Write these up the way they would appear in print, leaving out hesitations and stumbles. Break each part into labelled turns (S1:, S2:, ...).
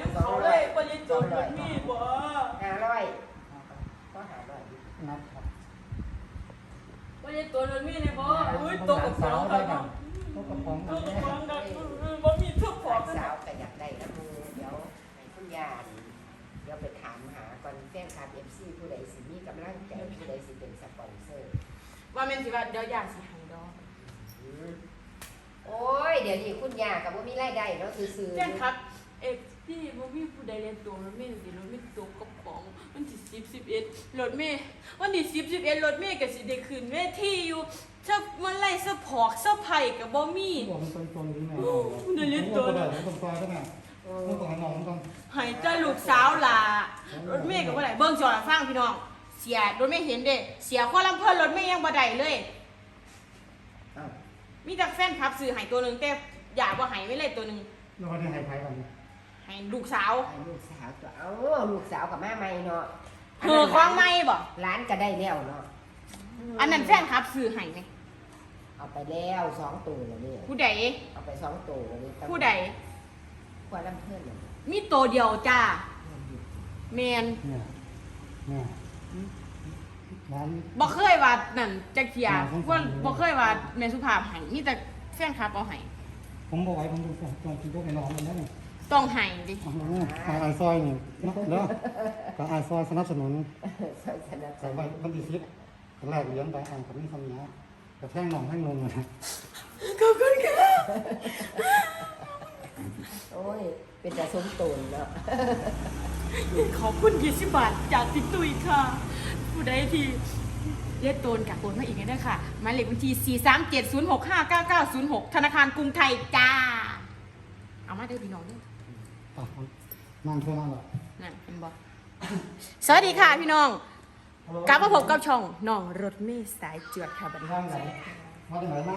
S1: น้ำเขาเลยบริจาครถมีบ่
S2: 500ก็500
S3: นะครับ
S1: บริจาครถมีเนี่ยบ่อุ้ยตกกับสาวกัน
S3: ตกกระป๋อง
S1: ต
S3: กัน
S1: กกับ
S3: แน่
S1: สาวกันบ่มีทุกของ
S2: สาวก็อยากได้นะมูเดี๋ยวให้คุณยาเดี๋ยวไปถามหาก่อนแฟนคลับ FC ผู้ใดสิมีกำลังใจผู้ใดสิเป็นสปอนเซอร์
S1: ว่าแม่นสิว่าเดี๋ยวอยากสิให้ดอก
S2: โอ้ยเดี๋ยวนี้คุณยากับว่ามีรายได้เนาะซื้อๆ
S1: แจ้งครับพี่บ่มีผู้ใดเรียนตัวรถเมล์สิรถเมล์ตกกระป๋องวันที่10 11รถเมล์วันที่10 11รถเมล์ก็สิได้ขึ้นเวทีอยู่ถ้ามันไล่สะพอกสะไผก็บ่มี
S3: บอกมันตรงนี้แม่
S1: นั่นเรียนตัว
S3: ได้ตรงตัวได้ไหมต้องตัวน้องต้อง
S1: ให้เจ้าลูกสาวล่ะรถเมล์ก็บ่ได้เบิ่งจอฟังพี่น้องเสียรถเมล์เห็นเด้เสียความลำเพิ่นรถเมล์ยังบ่ได้เลยมีแต่แฟนคลับซื้อให้ตัวนึงแต่อยากบ่ให้ไว้เลยตัวนึง
S3: เราได้ให้ไพ่กัน
S1: ให้ลูกสาว
S2: ลูกสาวตัวลูกสาวกับแม่ใหม่เนาะ
S1: เธอคว้างไม่บ่
S2: ร้านก็ได้แล้วเนาะ
S1: อันนั้นแฟนคลับซื้อให้ไหม
S2: เอาไปแล้ว2ตัวแล้วนี่
S1: ผู้ใด
S2: เอาไป2ตัวแล้วนี่
S1: ผู้ใด
S2: ควรลำเพิ่นเลย
S1: มีตัวเดียวจ้าแมน
S3: เนี่ยร้าน
S1: บ่เคยว่านั่นจักเทียว่าบ่เคยว่าแม่สุภาพให้มีแต่แฟนคลับเอาให้
S3: ผมบอกไว้ผมดูตรงที่ยกให้น้องมันได้
S1: ต้องให้ดิ
S3: ไอซอยนี่แล้วก็ไอซอยสนับสนุน
S2: สนับส
S3: แต่
S2: นุ
S3: ว่าน วันที่10แรกเลี้ยงไปอ่านกับนี่คำนี้แต่แท่งน้องแท่งนมนะ
S1: ขอบคุณค่ะ
S2: โอ้ยเป็นแต่สมตูนเนาะ
S1: ขอบคุณ20 บาทจากติ๊กตุยค่ะ ผู้ใดที่เรียกโตนกับโอนมาอีกได้ค่ะหมายเลขบัญชี43706599906ธนาคารกรุงไทยจ้าเอามาเด้อพี่น้องเด้อ
S3: นั่งเท่านั้นแหละ
S1: นั่นเห็นบ่สวัสดีค่ะพี่น้องกลับมาพบกับช่องน้องรถเมล์สายจวดค่ะบัดนี้
S3: นั่งไหนมาที่ไหนนั่ง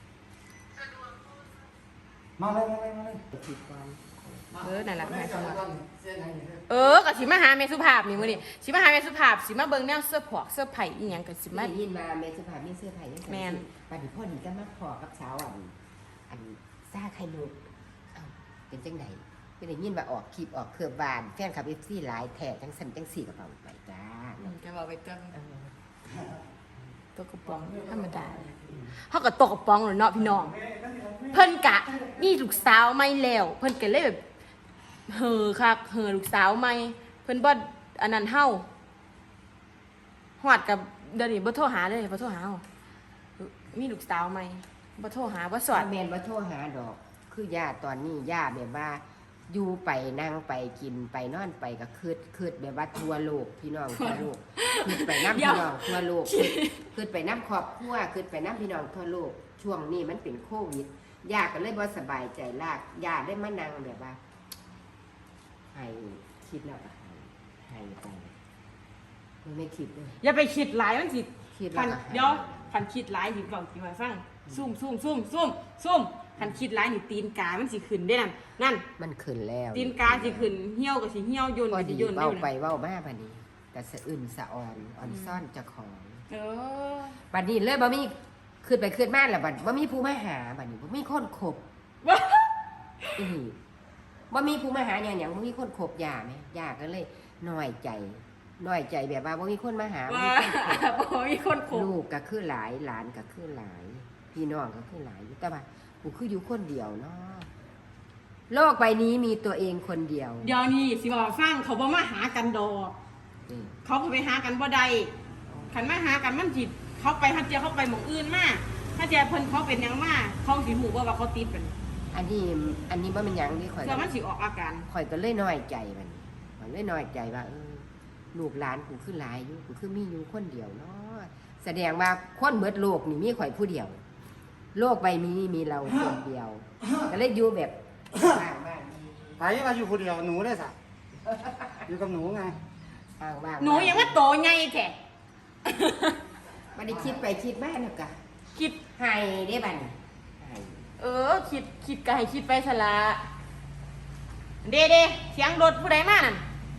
S3: มาเลยติดกัน
S1: นั่นแหละแม่สุภาพก็สิมาหาแม่สุภาพนี่มื้อนี้สิมาหาแม่สุภาพสิมาเบิ่งแนวเสื้อผอกเสื้อไผ่อีหยังก็สิมา
S2: ได้ยินมาแม่สุภาพมีเสื้อผ้ายัง
S1: แม่น
S2: บัดนี้พ่อนี่ก็มาขอกับสาวอันซ่าไข่มุกเป็นจังไดเป็นได้ยินว่าออกคลิปออกเครือบานแฟนคลับ FC หลายแท้จังสั่นจังสี่กระเป๋าไปจ้า
S1: จะบอกไปเติมตัวกระป๋องธรรมดาเฮาก็ตกกระป๋องแล้วเนาะพี่น้องเพิ่นกะมีลูกสาวใหม่แล้วเพิ่นก็เลยแบบเห่อคักเห่อลูกสาวใหม่เพิ่นบ่อันนั้นเฮาฮอดกับเดี๋ยวนี้บ่โทรหาเลยบ่โทรหาเฮามีลูกสาวใหม่บ่โทรหาบ่สอด
S2: แม่นบ่โทรหาดอกคือย่าตอนนี้ย่าแบบว่าอยู่ไปนั่งไปกินไปนอนไปก็คืดแบบว่าทั่วโลกพี่น้องทั่วโลกคืดไปน้ำพี่น้องทั่วโลกคืดไปน้ำครอบครัวคืดไปน้ำพี่น้องทั่วโลกช่วงนี้มันเป็นโควิดย่าก็เลยบ่สบายใจลากย่าได้มานั่งแบบว่าให้คิดแล้วก็ให้ไปไม่คิดเลย
S1: อย่าไปคิดหลายมันสิ
S2: คิด
S1: คั
S2: แล้ว
S1: น
S2: ก็
S1: เดี๋ยวคันคิดหลายสิบอกสิมาฟังซุ่มคันคิดหลายนี่ตีนกามันสิขึ้นได้นั่น
S2: มันขึ้นแล้ว
S1: ตีนกาสิขึ้นเหี่ยวก็สิเหี่ยวโยน
S2: พอ
S1: ก็สิ
S2: ดี
S1: โยน
S2: เว้า
S1: ได้
S2: ไปเว้ามาบัดนี้แต่สะอื่นสะอ่อนซ่อนเจ้าของ
S1: เออ
S2: บัดนี้เลยบ่มีขึ้นไปขึ้นมาแล้วบัดบ่มีผู้มาหาบัดนี้บ่มีคนคบ
S1: ว่า
S2: อีหลีบ่มีผู้มาหาหยังบ่มีคนคบย่าแม่ย่าก็เลยน้อยใจแบบว่าบ่มีคนมาหาบ่
S1: ว่า
S2: มีคนคบ
S1: บ่มีคนคบ
S2: ลูกก็คือหลายหลานก็คือหลาย พี่น้องก็คือหลายแต่ว่ากูคืออยู่คนเดียวเนาะโลกใบนี้มีตัวเองคนเดียว
S1: เดี๋ยวนี้สิบอกฟังเขาบ่มาหากันดอก
S2: อืม
S1: เขาก็ไปหากันบ่ได้คันมาหากันมันสิเขาไปฮัดเจียเขาไปหม่องอื่นมาถ้าเจียเพิ่นเขาเป็นหยังมาเขาสิฮู้ว่าเขาติดเป็น
S2: อันนี้บ่เป็นหยังที่ข่อย
S1: เพื่อมันสิออกอาการ
S2: ข่อยก็เลยน้อยใจมันข่อยเลยน้อยใจว่าลูกหลานกูคือหลายอยู่กูคือมีอยู่คนเดียวเนาะแสดงว่าคนเบิดโลกนี่มีข่อยผู้เดียว โลกใบนี้มีเราคนเดียว ก็เลยอยู่แบบบ้าง
S3: ไปมาอยู่คนเดียวหนูได้สักอยู่กับหนูไง
S2: บ้าง
S1: หนูยังว่าโตใหญ่แท้
S2: ไม่ได้คิดไปคิดมาเนาะกะ
S1: คิด
S2: ให้ได้บัดนี้ให้
S1: คิดก็ให้คิดไปซะละเด้เสียงรถผู้ใดมานั่น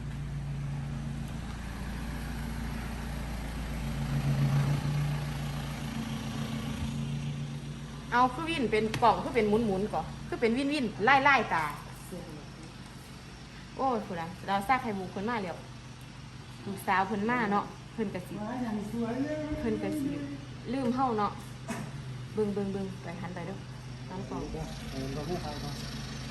S1: เอาคือวินเป็นกล่องคือเป็นหมุนก่อนคือเป็นวินไล่ตา
S2: เสื้อ
S1: โโอ้ยผู้ใดเราซากไข่มุกเพิ่นมาแล้วลูกสาวเพิ่นมาเนาะเพิ่นก็สิ
S3: อย่างสวยเลย
S1: เพิ่นก็สิลืมเฮาเนาะเบิ่งไปหันไปเด้อน้ำกล่อง
S3: เดี๋ยวเราไม่ไปเนาะ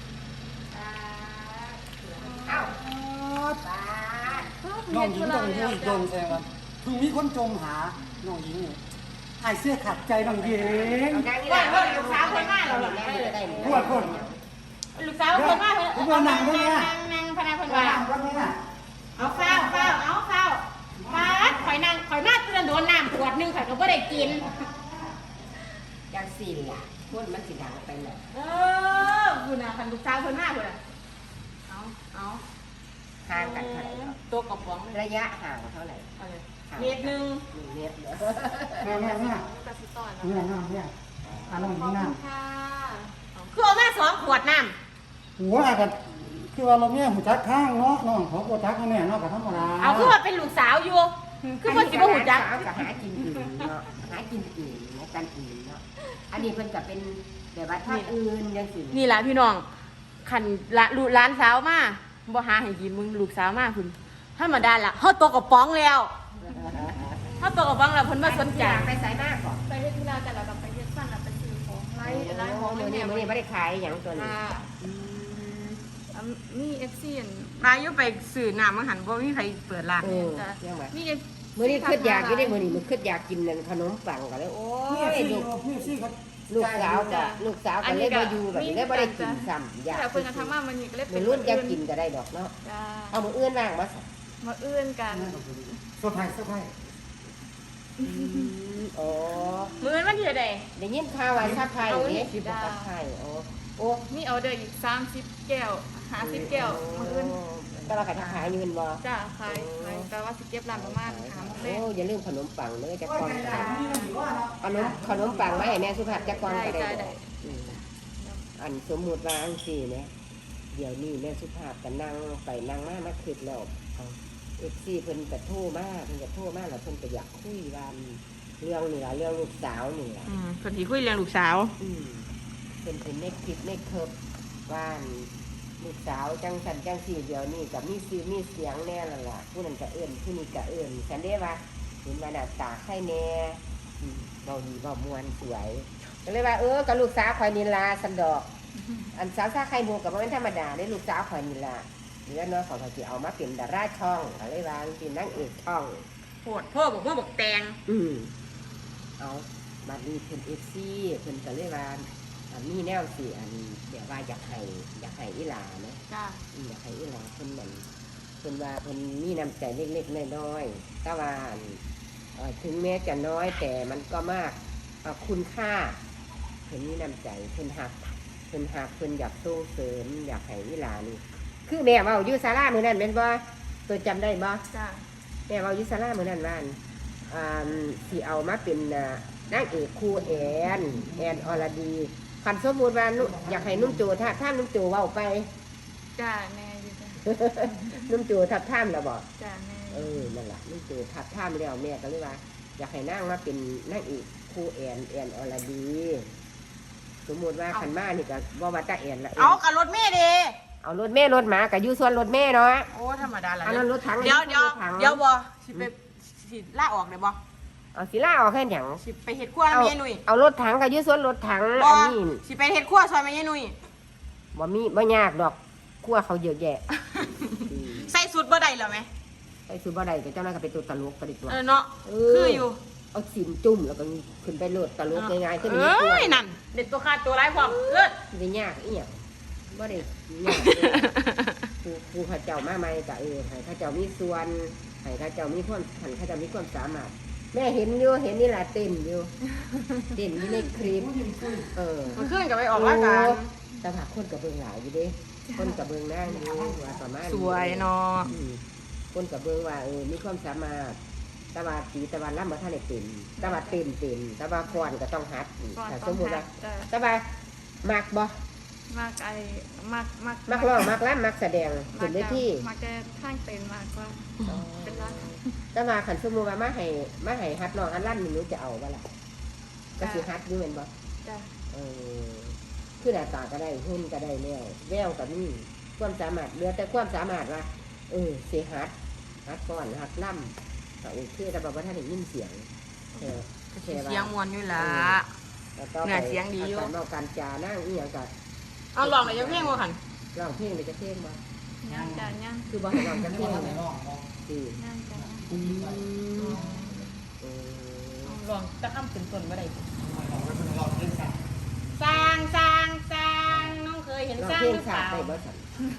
S2: เอ้าป้า
S3: น้องหญิงต้องเรื่องจมแซงกันถึงมีคนจมหาน้องหญิงเนี่ยหายเสื้อขัดใจน้องหญิง
S2: เอานางนี่แหละลูกสาวคนมาแล้วแม่จะได้
S3: พวดพวด
S1: ลูกสาวเพิ่นมาเพิ่น
S3: ผมว่านั่งตรงเนี้ย
S1: นั่งพนักเพิ่น
S3: ว่า
S1: ว่า
S3: นั่งตรงเนี้ย
S1: เอาข้าวมาข่อยนั่งข่อยมาเตือนโดนน้ำขวดนึงข่อยก็บ่ได้กิน
S2: จังสี่ล่ะคนมันสิดังไปเลย
S1: คุณน่ะคันลูกสาวเพิ่นมาพุ่นน่ะเอา
S2: ห่างกันเท่าไหร่เนาะ
S1: ตัวกระป๋อง
S2: ระยะห่างเท่าไหร่
S1: เอาเลย
S2: ห่าง
S1: เมตรนึง
S2: 1 เมตรเด้อ
S3: เนี่ย
S1: กระสิต้อน
S3: เนี่ยเนี่ยน้องหญิงน้ำ
S1: ค่ะคือเอามา2 ขวดน้
S3: หัวกันคือว่าเราเนี่ยหูจักข้างเนาะน้องของกูจักแน่เนาะกับธรรมดา
S1: ำเอาคือว่าเป็นลูกสาวอยู่คือบ่สิบ่ฮู้จัก
S2: สาวก็หากินอื่นเนาะหากินอื่นนะกันอื่นเนาะอันนี้เพิ่นก็เป็นแบบว่าท่าอื่นจังซี่
S1: นี่ล่ะพี่น้องคันละลูกหลานสาวมาบ่หาให้กินมึงลูกสาวมาพุ่นธรรมดาล่ะเฮาตัวกระป๋องแล้วเฮาตัวกระป๋องแล้วเพิ่นบ่สนใจ
S2: ไปไสมากก่อน
S4: ไปเฮ็ดธุระแต่เราก็ไปเฮ็ดฟันแล้วไปซื้อของไล่ของ
S2: มื้อนี้บ่ได้ขายหยังตัวนี้
S4: มี FC อัน
S1: มาอยู่ไปซื้อน้ำมันหันบ่มีใครเปิดร้าน
S2: เออเรื่องว่า
S4: มี
S2: มื้อนี้คิดอยากอยู่ได้มื้อนี้มันคิดอยากกินนั่นขนมปังก็เลยโอ้
S3: เนี่ย
S2: ย
S3: ซี่
S2: ลูก
S3: เนี่ยซี่เขา
S2: ลูกสาวก็เลยบ่อยู่แบบนี้เลยบ่ได้กินซ้ำอยาก
S4: แต่เพิ่นก็ทำมามันนี่ก็เลย
S2: มื้อรุ่นจะกินก็ได้ดอกเนาะ
S4: จ้า
S2: เอามื้ออื่นว่างมาซะ
S4: มาเอื้อนกัน
S3: เซอร์ไพรส์
S2: อ๋อ
S1: มื้อวันที่ใด
S2: ได้ยินข่าวว่าซับไผ่เด้สิบ่ซับไผ่โอ้
S4: มีออเดอร์อีก30แก้ว50แก้วมาเอื้อน
S2: แต่ว่าก็ขายอยู่แม่นบ่
S4: จ้าขายแต่ว่าสิเก็บร้านประมาณ3
S2: โอ้
S4: เล่ม
S2: อย่าลืมขนมปังเด้อจักก่อนขนมปังมาให้แม่สุภาพจักก่อนก็ได้ดอกอันสมมุติว่าจังซี่เนี่ยเดี๋ยวนี้แม่สุภาพก็นั่งไปนั่งมาคิดแล้วFC เพิ่นก็โทรมาแล้วเพิ่นก็อยากคุยว่าเรื่องนี่ล่ะเรื่องลูกสาวนี่ล่ะ
S1: เพิ่นสิคุยเรื่องลูกสาว
S2: เป็นในคลิปในเคิร์ฟว่าลูกสาวจังสันจังสี่เดียวนี่กับมีซื้อมีเสียงแน่ละล่ะผู้นั้นก็เอื้อนผู้นี้ก็เอื้อนฉันได้ว่าเห็นมาหน้าตาไข่แน่เบาดีเบามวนสวยก็เลยว่ากับลูกสาวข่อยนิลาสันดอก อันสาวซาไข่มูกับมันธรรมดาได้ลูกสาวข่อยนิลาเหลือเนาะของเขาสิเอามาเป็นดาราช่องก็เลยว่าเป็นนางเอกช่อง
S1: โพดพ่อบอกว่าบอกแตง
S2: เอาบัดนี้เพิ่นFC เพิ่นก็เลยว่ามีแนวสิอันแบบว่าอยากให้อีหลาเนาะ
S4: จ้า
S2: อยากให้อีหลาเพิ่นนั่นเพิ่นว่าเพิ่นมีน้ำใจเล็กๆน้อยๆแต่ว่าถึงแม้จะน้อยแต่มันก็มากคุณค่าเพิ่นมีน้ำใจเพิ่นหักเพิ่นอยากส่งเสริมอยากให้อีหลานี่คือแม่เว้าอยู่ศาลามื้อนั้นแม่นบ่ตัวจำได้บ่
S4: จ้า
S2: แม่เว้าอยู่ศาลามื้อนั้นว่าสิเอามาเป็นนางเอกคู่แอนอรดีคันสมมุติว่าอยากให้นุ่มโจถ้านุ่มโจเว้าไป
S4: จ้าแม่อยู่จ้า
S2: นุ่มโจทับท่ามแล้วบ่
S4: จ้าแม่
S2: นั่นแหละนุ่มโจทับท่ามแล้วแม่ก็เลยว่า อยากให้นางมาเป็นนางเอกคู่แอนอรดี สมมุติว่าขันมานี่ก็บ่ว่าตาแอนละ
S1: เอากับรถเมย์เด้
S2: เอารถแม่รถหมากับอยู่ส่วนรถแม่เนาะ
S1: โอ้ธรรมดาละ
S2: อันนั้นรถถัง
S1: เดี๋ยว
S2: รถถัง
S1: บ่สิไปสิลาออกได้บ่
S2: เอาสิล่าออกแค่หยัง
S1: สิไปเฮ็ดครัวแม่หนุ่ย
S2: เอารถถังกับอยู่ส่วนรถถัง
S1: บ่
S2: อันนี้
S1: สิไปเฮ็ดครัวซอยแม่หนุ่ย
S2: บ่ยากดอกคั่วเขาเยอะแยะ
S1: ใส่สุดบ่ได้เหรอแม่
S2: ไปซื้อบ่ได้ก็เจ้านั้นก็เป็นตัวตลกก็ดีกว่า
S1: เนาะคืออยู่
S2: เอาสินจุ่มแล้วก็ขึ้นไปโลดตลกง่ายๆขึ้น
S1: เอ้ยนั่นเด็ดตัวขาดตัวร้ายพร้อมเลิศ
S2: ได้ยากอีหยังบ่ได้ยากครูเขาเจ้ามาใหม่ก็ให้เขาเจ้ามีส่วนให้เขาเจ้ามีความเขาเจ้ามีความสามารถแม่เห็นอยู่เห็นนี่ล่ะเต้นอยู่ในคลิป
S1: มันขึ้นกับไปออกรายการ
S2: แต่ว่าคนกับเบิ่งหลายอยู่เด้คนกับเบิ่งนางอยู่ว่าประมาณ
S1: สวยเนาะ
S2: คนกับเบิ่งว่ามีความสามารถตะวันตีตะวันล่ำมาท่านได้เป็นตะวันเต้นตะวันฟ้อนก็ต้องฮัด
S4: ก่อน
S2: ถ้า
S4: ต้
S2: ส
S4: อง
S2: มมุติ
S4: หั
S2: ว่า
S4: ดจ้า
S2: ตะวันมักบ่
S4: มากมาก
S2: มักร้องมักรำมักแสดงขึ้นเวที
S4: มากแต่ทางเต็นมากกว่าเป็นร้าน
S2: ตะวันขันสมมุติว่ามาให้ฮัดร้องฮัดรำนี่หนูจะเอาบ่ล่ะก็สิฮัดอยู่แม่นบ่
S4: จ้า
S2: คือหน้าตาก็ได้หุ่นก็ได้แล้วแววก็มีความสามารถเหลือแต่ความสามารถว่าสิฮัดก่อนฮัดล่ำก็โอเคแต่แบบว่าถ้าได้ยินเสียงแค่
S1: เสียงมวนอยู่ล่ะ เนี่ยเสียงดีอยู่
S2: การเมาการจานั่งอีหยังก็
S1: เอาลองได้จังเพลงบ่คั่น
S2: ร้องเพลงได้จะเพลงบ่
S4: ย่างจ้ะย่าง
S2: คือบ่ให้ร้องจักเพลง
S3: ว่า
S2: เลย
S3: น้องบอก
S2: อือ
S4: ย่างจ้ะ
S1: ลองตะค่ำขึ้นต้นบ่ได้
S3: เราเล่นสัตว์
S1: สร้างน้องเคยเห็น
S2: ร้อง
S1: สร้าง
S2: เพล
S1: ห
S2: ง
S1: รือเป
S2: ชา
S1: ล่า
S2: ติได้บ่สั่น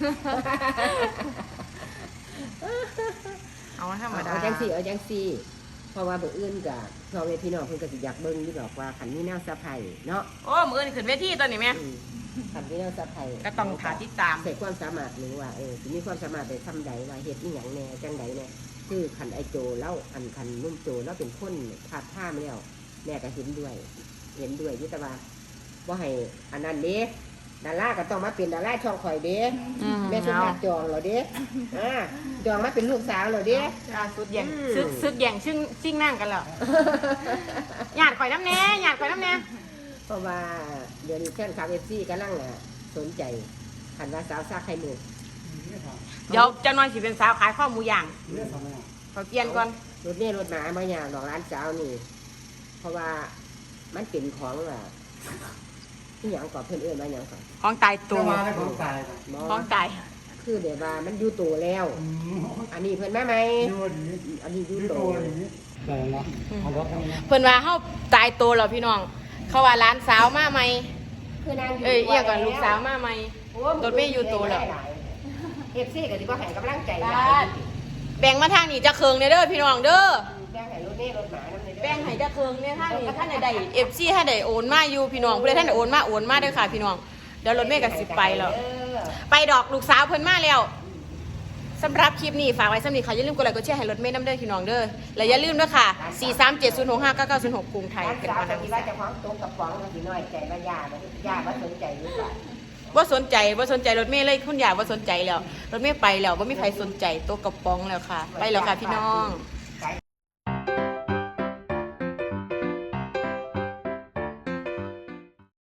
S1: เอาธรรมดา
S2: เอาจังซี่เพราะว่าเบิ่อื่นก็พ่อแม่พี่น้องเพิ่นก็สิอยากเบิ่งอยู่ดอกว่าคันมีแนวสะไผเนาะ
S1: โอ้มื้อนี้ขึ้นเวทีตอนนี้แม่
S2: คันมีแนวสะไผ
S1: ก็ต้องถาติดตาม
S2: ใส่ความสามารถหรือว่าสิมีความสามารถได้ทำใดว่าเฮ็ดอีหยังแหน่จังใดแหน่คือคันไอโจแล้วคันนุ่มโจแล้วเป็นคนพาดท่ามแล้วแม่ก็เห็นด้วยอยู่แต่ว่าบ่ให้อันนั้นเด้ดาราก็ต้องมาเป็นดาราช่องข่อยเด้ แม่สุภาพจองเหรอเด้จองมาเป็นลูกสาวเหรอเด้
S1: สุดแย่งซึกแย่งชิ่งนั่งกันแล้วหยาดข่อยน้ำแน่หยาดข่อยน้ำแน่
S2: เพราะว่าเดี๋ยวนี้แฟนคลับFCกำลังสนใจคันว่าสาวซาไข่มุก
S1: เดี๋ยวจะนอนสิเป็นสาวขายข้าวหมูย่าง
S3: เรื่องทำไม
S1: ขอเปลี่ยนก่อน
S2: รถเนี่ยรถหนาบางอย่างดอกร้านสาวนี่ เพราะว่ามันเป็นของที่อย่างก่อเพื่อนเอื้อนมาอย่างก่อน
S1: ของตายตั
S3: ตัว วมาแล้วของตาย
S1: ของตาย
S2: คือเดี๋ยวว่ามันอยู่ตัวแล้ว อันนี้เพื่อนแม่ไหม
S3: ดูดี
S2: อันนี้อยู่
S3: ดู
S2: ตั
S3: ตัว วดีแต่เนาะเอารถทำไม
S1: เพิ่นว่าเฮาตายตัวแล้วพี่น้อง เขาว่าร้านสาวมาใหม่
S2: คือนาง
S1: เอ้ยเอียก่อนลูกสาวมาใหม่ รถเมย์อยู่ตัวแล้ว
S2: เอฟซีก็สิบ่ให้กำลังใจ
S1: แบ่งมาทางนี้จะเคืองเด้อพี่น้องเด้อ
S2: แบ่งให้รถเมย์รถหมานำเลย
S1: แบ่งให้จะเคืองเนี่ยท่านนี่ท่านใดๆ FC ท่านใดโอนมาอยู่พี่น้องผู้ใดท่านใดโอนมาเด้อค่ะพี่น้องเดี๋ยวรถเมย์ก็สิไปแล้ว ไปดอกลูกสาวเพิ่นมาแล้วสำหรับคลิปนี้ฝากไว้สำหรับค่ะอย่าลืมกดไลค์กดแชร์ให้รถเมย์น้ำเด้อพี่น้องเด้อและอย่าลืมด้วยค่ะ 437065996 กรุงไทย
S2: ร้าน
S1: เป็น
S2: สาว
S1: วัน
S2: ก็
S1: นั้น
S2: สิว่าเจะของตกกับของสิน้อยใจว่ายาบ่สนใจหรือเปล่า
S1: บ่สนใจรถเมย์เลยคุณยายบ่สนใจแล้วรถเมย์ไปแล้วบ่มีใครสนใจตัวกระป๋องแล้วค่ะ ไปแล้วค่ะพี่น้อง
S2: ฝ